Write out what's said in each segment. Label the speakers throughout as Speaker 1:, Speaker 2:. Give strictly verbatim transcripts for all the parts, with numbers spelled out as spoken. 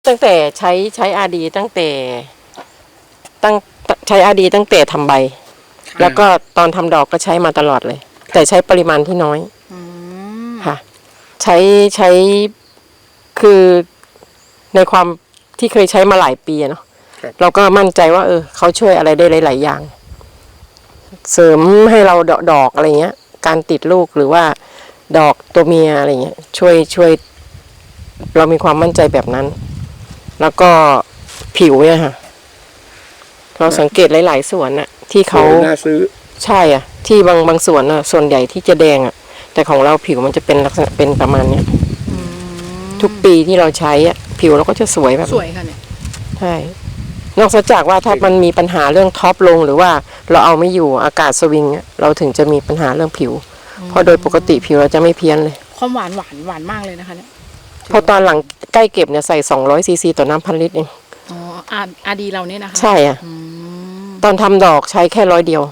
Speaker 1: ตั้งแต่ใช้ใช้อาดีตั้งแต่ตั้งใช้อาดีตั้งแต่ทำใบแล้วก็ตอนทำดอกก็ใช้มาตลอดเลยแต่ใช้ปริมาณที่น้อยค่ะใช้ใช้คือในความที่เคยใช้มาหลายปีเนาะเราก็มั่นใจว่าเออเขาช่วยอะไรได้หลายๆอย่างเสริมให้เราดอกดอกอะไรเงี้ยการติดลูกหรือว่าดอกตัวเมียอะไรเงี้ยช่วยช่วยเรามีความมั่นใจแบบนั้นแล้วก็ผิวเนี่ยค่ะเราสังเกตหลายๆสวนน่ะที่เขาน่าซื้อใช่อ่ะที่บางบางสวนน่ะส่วนใหญ่ที่จะแดงอ่ะแต่ของเราผิวมันจะเป็นลักษณะเป็นประมาณเนี้ยทุกปีที่เราใช้อ่ะผิวเราก็จะสวยแบบ
Speaker 2: สวยค่ะเนี่ย
Speaker 1: ใช่นอกจากว่าถ้ามันมีปัญหาเรื่องท็อปลงหรือว่าเราเอาไม่อยู่อากาศสวิงเราถึงจะมีปัญหาเรื่องผิวเพราะโดยปกติผิวเราจะไม่เพี้ยนเลย
Speaker 2: ความหวานหวานหวานมากเลยนะคะเนี่ย
Speaker 1: พอตอนหลังใกล้เก็บเนี่ยใส่สองร้อยซีซีต่อน้ำพันลิตรเอง
Speaker 2: อ๋ออาอาดีเราเนี่ยนะคะ
Speaker 1: ใช่อ่ะตอนทำดอกใช้แค่ร้อยเดียว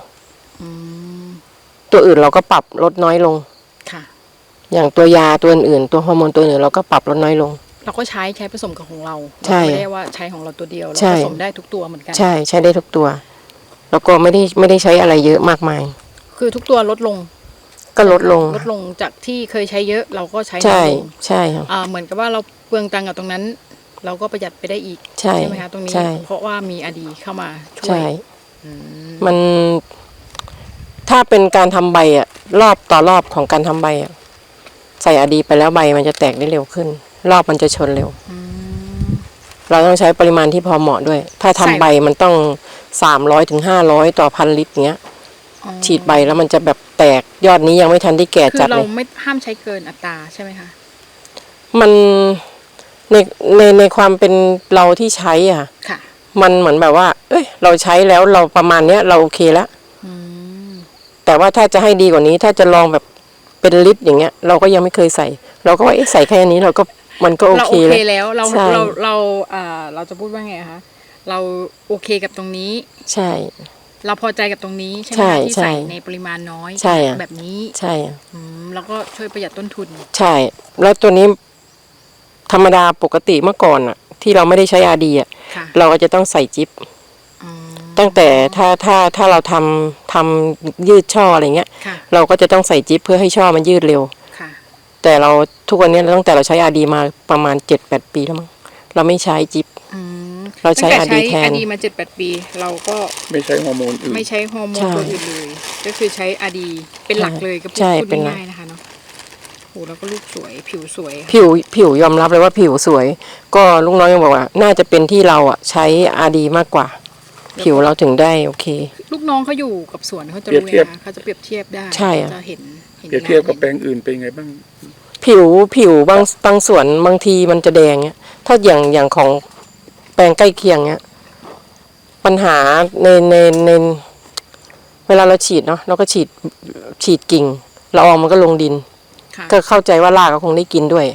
Speaker 1: ตัวอื่นเราก็ปรับลดน้อยลงค่ะอย่างตัวยาตัวอื่นตัวฮอร์โมนตัวอื่นเราก็ปรับลดน้อยลง
Speaker 2: เราก็ใช้ใช้ผสมกับของเราไม่ได้ว่าใช้ของเราตัวเดียวเราผสมได้ทุกตัวเหมือนกัน
Speaker 1: ใช่ใช้ได้ทุกตัวแล้วก็ไม่ได้ไม่ได้ใช้อะไรเยอะมากมาย
Speaker 2: คือทุกตัวลดลง
Speaker 1: ก็ลดลง
Speaker 2: ลดลงจากที่เคยใช้เยอะเราก็ใช้
Speaker 1: ใช่ใช่
Speaker 2: ค่ะเหมือนกับว่าเราเปลืองตังค์กับตรงนั้นเราก็ประหยัดไปได้อีก
Speaker 1: ใช่
Speaker 2: ไหมคะตรงนี้เพราะว่ามีอดีเข้ามาช่วย
Speaker 1: มันถ้าเป็นการทำใบอ่ะรอบต่อรอบของการทำใบอ่ะใส่อดีไปแล้วใบมันจะแตกได้เร็วขึ้นรอบมันจะชนเร็วเราต้องใช้ปริมาณที่พอเหมาะด้วยถ้าทำใบมันต้องสามร้อยถึงห้าร้อยต่อพันลิตรเงี้ยฉีดใบแล้วมันจะแบบแตกยอดนี้ยังไม่ทันได้แก่จัดเลย
Speaker 2: คือเราไม่ห้ามใช้เกินอัตราใช่ไหมคะ
Speaker 1: มันในในในความเป็นเราที่ใช้อ่ะมันเหมือนแบบว่าเอ้ยเราใช้แล้วเราประมาณเนี้ยเราโอเคแล้วแต่ว่าถ้าจะให้ดีกว่านี้ถ้าจะลองแบบเป็นลิตรอย่างเงี้ยเราก็ยังไม่เคยใส่เราก็ว่าเอ๊ะใส่แค่นี้เราก็มันก็โอเค
Speaker 2: แล้วเราเราเราอ่าเราจะพูดว่าไงคะเราโอเคกับตรงนี้
Speaker 1: ใช่
Speaker 2: เราพอใจกับตรงนี้ใช่ไหมที่ใส่ในปริมาณน้อยแบบนี้
Speaker 1: ใช่
Speaker 2: แล้วก็ช่วยประหยัดต้นทุน
Speaker 1: ใช่แล้วตัวนี้ธรรมดาปกติเมื่อก่อนอ่ะที่เราไม่ได้ใช้อาดีอ่ะเราก็จะต้องใส่จิ๊บตั้งแต่ถ้าถ้าถ้าเราทำทำยืดช่ออะไรเงี้ยเราก็จะต้องใส่จิ๊บเพื่อให้ช่อมันยืดเร็วแต่เราทุกวันนี้ตั้งแต่เราใช้อาดีมาประมาณเจ็ดแปดปีแล้วมั้งเราไม่ใช้จิ๊บเราใช้อาดีแทน
Speaker 2: อาดีมาเจ็ดแปดปีเราก็
Speaker 3: ไม่ใช้ฮอร์โมนอื่น
Speaker 2: ไม่ใช้ฮอร์โมนตัวอื่นเลยก็คือใช้อาดีเป็นหลักเลยก็พูดง่ายๆนะคะเนาะโหแล้วก็ลูกสวยผิวสวย
Speaker 1: ผิวผิวยอมรับเลยว่าผิวสวยก็ลุงน้อยยังบอกว่าน่าจะเป็นที่เราอ่ะใช้อาดีมากกว่าผิวเราถึงได้โอเค
Speaker 2: ลูกน้องเขาอยู่กับสวนเขาจะรู้เลยนะเขาจะเปรียบเทียบได้
Speaker 1: ใช่
Speaker 2: จะเห็น
Speaker 3: เปรียบเทียบกับแปลงอื่นเป็นไงบ้าง
Speaker 1: ผิวผิวบางบางสวนบางทีมันจะแดงเนี้ยถ้าอย่างอย่างของแปลงใกล้เคียงเนี้ยปัญหาในในในเวลาเราฉีดเนาะเราก็ฉีดฉีดกิ่งละอองมันก็ลงดินก็เข้าใจว่ารากก็คงได้กินด้วย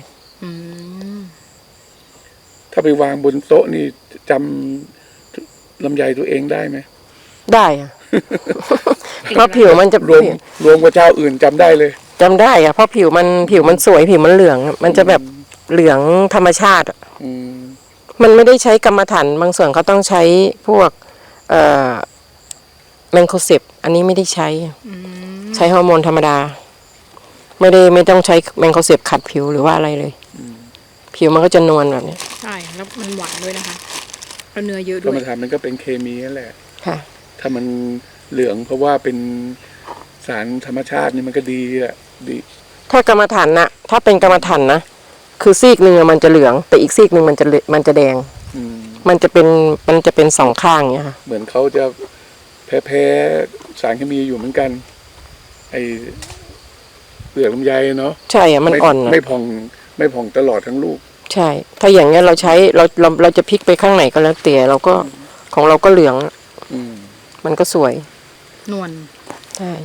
Speaker 3: ถ้าไปวางบนโต๊ะนี่จำลำไยตัวเองได้ไหม
Speaker 1: ได้อะเพราะผิวมันจะ
Speaker 3: รวมรวมกับเจ้าอื่นจำได้เลย
Speaker 1: จำได้อะเพราะผิวมันผิวมันสวยผิวมันเหลืองมันจะแบบเหลืองธรรมชาติมันไม่ได้ใช้กรรมฐานบางส่วนเขาต้องใช้พวกเอ่อแมงโคเซปอันนี้ไม่ได้ใช้ใช้ฮอร์โมนธรรมดาไม่ได้ไม่ต้องใช้แมงโคเซปขัดผิวหรือว่าอะไรเลยผิวมันก็จะนวลแบบนี้
Speaker 2: ใช่แล้วมันหวานด้วยนะคะแล้วเนื้อเยอะด้วย
Speaker 3: กรรมฐานมันก็เป็นเคมีนั่นแหละค่ะถ้ามันเหลืองเพราะว่าเป็นสารธรรมชาตินี่มันก็ดีอ่ะดี
Speaker 1: ถ้ากรรมฐานนะถ้าเป็นกรรมฐานนะคือซีกหนึ่งมันจะเหลืองแต่อีกซีกหนึ่งมันจะมันจะแดงมันจะเป็นมันจะเป็นสองข้างเนี้ยค่ะ
Speaker 3: เหมือนเขาจะแพ้แพ้สารเคมีอยู่เหมือนกันไอเปลือกลำไยเนาะ
Speaker 1: ใช่อะมันอ่อน
Speaker 3: ไม่ผ่องไม่ผ่องตลอดทั้งลูก
Speaker 1: ใช่ถ้าอย่างเงี้ยเราใช้เราเราเราจะพลิกไปข้างไหนก็แล้วแต่เราก็ของเราก็เหลืองมันก็สวย
Speaker 2: นวล
Speaker 1: ใช่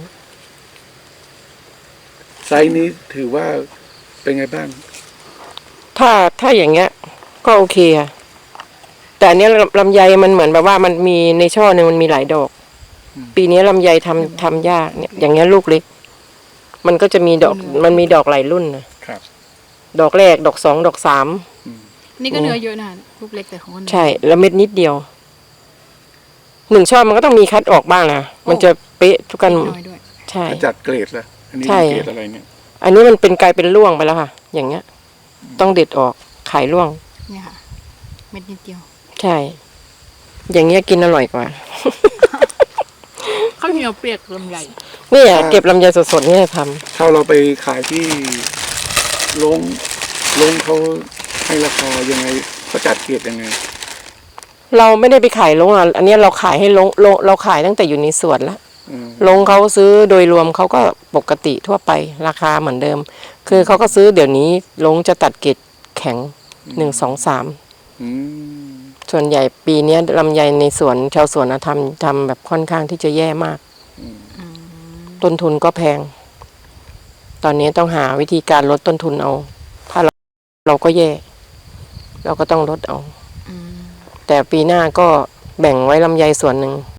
Speaker 3: ไซส์นี้ถือว่าเป็นไงบ้าง
Speaker 1: ถ้าถ้าอย่างเงี้ยก็โอเคอะแต่อันนี้ลำไยมันเหมือนแบบว่ามันมีในช่อหนึ่งมันมีหลายดอกปีนี้ลำไยทำทำยากเนี่ยอย่างเงี้ยลูกเล็กมันก็จะมีดอกมันมีดอกหลายรุ่นนะครับดอกแรกดอกสองดอกสาม
Speaker 2: นี่ก็เนื้อเยอะนะลูกเล็กแต่ของคน
Speaker 1: ใช่แล้วเม็ดนิดเดียวหนึ่งช่อมันก็ต้องมีคัดออกบ้างนะมันจะเป๊ะทุกกัน
Speaker 2: น้อยด้วย
Speaker 1: ใช่
Speaker 3: จัดเกรดละอันนี้
Speaker 1: ใช่
Speaker 3: เกรดอะไรเนี่ย
Speaker 1: อันนี้มันเป็นกลายเป็นร่วงไปแล้วค่ะ อย่างเงี้ย ต้องเด็ดออกขายร่วง
Speaker 2: เนี่ยค่ะ เม็ดนิดเดียว
Speaker 1: ใช่ อย่างเงี้ยกินอร่อยกว่า
Speaker 2: ข้าวเหนียวเปียกลำไย
Speaker 1: เนี่ยเก็บลำไยสดๆเนี่ยทำ
Speaker 3: ถ้าเราไปขายที่โรงโรงเขาให้ราคายังไงเขาจัดเกรดยังไง
Speaker 1: เราไม่ได้ไปขายลงอ่ะอันเนี้ยเราขายให้ลงลงเราขายตั้งแต่อยู่ในสวนแล้ว
Speaker 3: อืม
Speaker 1: ลงเขาซื้อโดยรวมเขาก็ปกติทั่วไปราคาเหมือนเดิม คือเขาก็ซื้อเดี๋ยวนี้ลงจะตัดเกรดแข็งหนึ่งสองสาม
Speaker 3: อืม
Speaker 1: ส่วนใหญ่ปีเนี้ยลำไยในสวนชาวสวนนะทำทำแบบค่อนข้างที่จะแย่มาก ต้นทุนก็แพง ตอนนี้ต้องหาวิธีการลดต้นทุนเอา ถ้าเราเราก็แย่ เราก็ต้องลดเอา แต่ปีหน้าก็แบ่งไว้ลำไยส่วนหนึ่ง